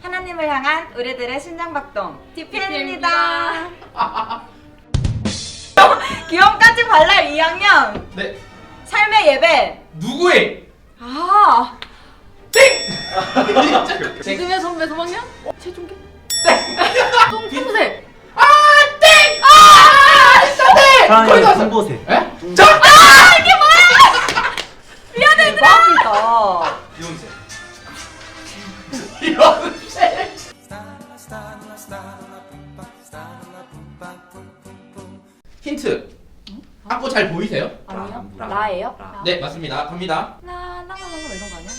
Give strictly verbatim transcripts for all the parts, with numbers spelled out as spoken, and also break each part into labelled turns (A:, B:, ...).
A: 하나님을 향한 우리들의 심장박동 디피엔입니다. 귀염까지 발랄 이 학년.
B: 네.
A: 삶의 예배.
B: 누구의?
A: 아.
B: 땡!
C: 지금의 선배 삼 학년? 최종계?
B: 땡!
C: 똥통새!
B: 아! 땡! 아! 진짜 땡! 거의
D: 사랑의
B: 나왔어.
D: 손보세.
B: 에? 정! 아! 이게 뭐야!
A: 미안해 대박이다.
B: 이혼세. 이혼세. 힌트. 악보 잘 보이세요?
A: 아니요.
D: 라,
A: 라예요?
D: 라.
B: 네, 맞습니다. 갑니다.
A: 라라라라 이런 거 아니야?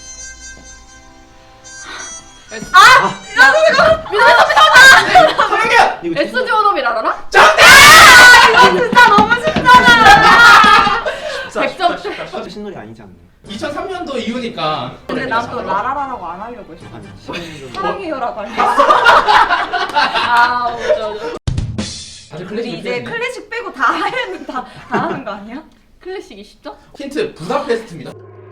B: 성현!
D: 이거
C: 에스지 원업이라 알아?
B: 정답!
A: 진짜 너무 쉽잖아.
C: 백 점.
D: 진짜 신놀이 아니지 않나요?
B: 이천삼 년도 이후니까.
A: 근데 난 또 라라라라고 안 하려고 했어.
D: 한 십 년 정도.
A: 사랑해요라고 할게.
C: 아, 맞아, 맞아.
B: 다들
A: 우리
B: 클래식
A: 이제 클래식 빼고 다 하면 다, 다 하는 거 아니야?
C: 클래식이 쉽죠?
B: 힌트 부다페스트입니다.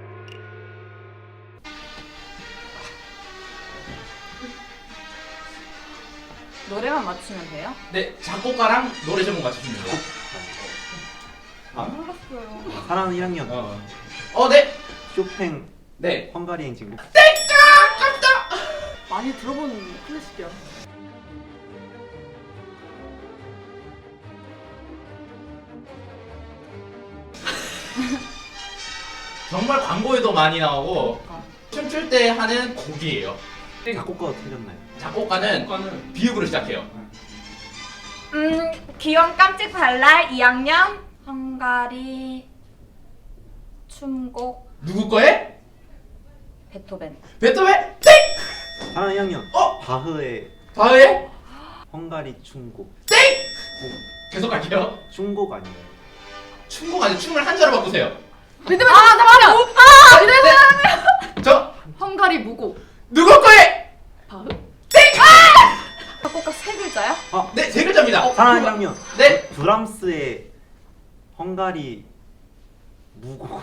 A: 노래만 맞추면 돼요?
B: 네, 작곡가랑 노래 제목 맞추시면 돼요.
D: 아,
A: 몰랐어요.
D: 사랑하는 일 학년.
B: 어, 어, 네,
D: 쇼팽
B: 네.
D: 헝가리 행진곡.
C: 많이 들어본 클래식이야.
B: 정말 광고에도 많이 나오고
A: 그러니까.
B: 춤출 때 하는 곡이에요.
D: 작곡가가 틀렸나요?
B: 작곡가는 비읍으로 시작해요.
A: 음, 귀염 깜찍 발랄 이 학년 헝가리 춤곡
B: 누구 거에?
A: 베토벤.
B: 베토벤? 땡!
D: 사랑하는 일 학년.
B: 어?
D: 바흐의
B: 바흐의?
D: 헝가리 춤곡.
B: 땡! 계속 갈게요.
D: 춤곡 아니에요?
B: 춤곡 아니고 춤을 한자로 바꾸세요.
C: 믿으면 아, 잠깐만요! 아! 믿으면
B: 저
C: 헝가리 무곡.
B: 누구 거에?
C: 바흐?
A: 작곡가 세 글자야?
B: 네, 세 글자입니다.
D: 사랑하는 일 학년.
B: 네,
D: 브람스의 헝가리 무곡.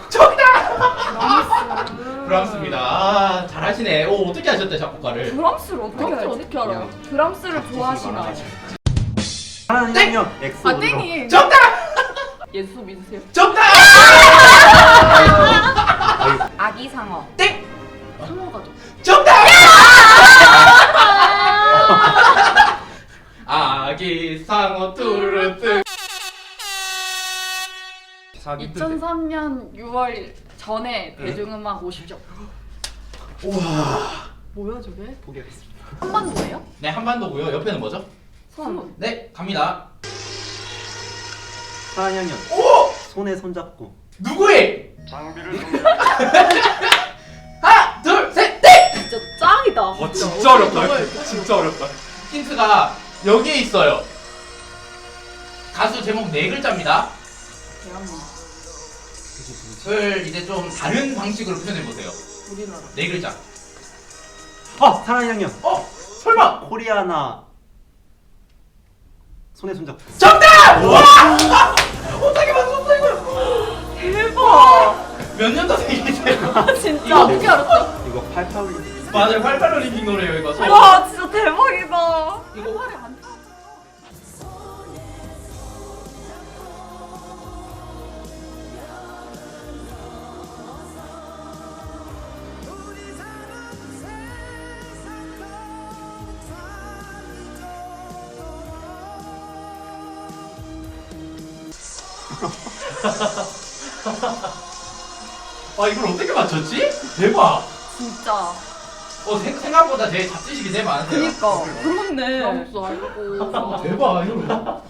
B: 브람스입니다. 아, 잘하시네. 오, 어떻게 하셨대 작곡가를?
A: 브람스를 어떻게
C: 브람스
A: 알지?
C: 어떻게 알아요?
A: 브람스를 좋아하시나?
D: 사랑하는 일 학년. 엑소.
C: 아, 땡이!
B: 정답!
C: 예수 믿으세요?
B: 정답!
A: 아기 상어.
B: 땡!
C: 상어가죠.
B: 정답! 아기 상어 뚜루뚜.
C: 이천삼 년 유월 전에 대중음악 오십 점.
B: 우와.
C: 뭐야 저게?
D: 포기하겠습니다.
C: 한반도예요?
B: 네, 한반도고요. 옆에는 뭐죠?
C: 손.
B: 네, 갑니다.
D: 사랑하는 일 학년.
B: 오!
D: 손에 손잡고.
B: 누구의? 하나, 둘, 셋, 땡!
A: 진짜 짱이다.
B: 와, 진짜 어렵다. 진짜 어렵다. 힌트가 여기에 있어요. 가수 제목 네 글자입니다.
A: 대한민국.
B: 을 이제 좀 다른 방식으로 표현해 보세요.
C: 우리나라.
B: 네 글자.
D: 어! 사랑하는 일 학년.
B: 어? 설마?
D: 코리아나 손에 손잡고.
B: 정답! 와! 어떻게 맞췄어 이걸?
A: 대박.
B: 몇 년도 생이세요?
A: 아,
C: 이거
A: 진짜.
C: 어떻게 알았죠?
D: 이거 팔팔올림.
B: 맞아요, 팔팔 올림픽 노래예요 이거. 소-
A: 와, 진짜 대박이다.
B: 이거
C: 활에 안 타.
B: 아 이걸 어떻게 맞췄지? 대박.
A: 진짜.
B: 어 생, 생각보다 제 잡지식이 되게 많으세요.
A: 그니까. 그렇네.
C: 브람스 알고.
B: 아, 대박 이거.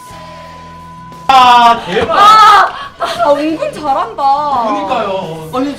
B: 아 대박.
A: 아, 아, 은근 잘한다.
B: 그러니까요.
C: 아니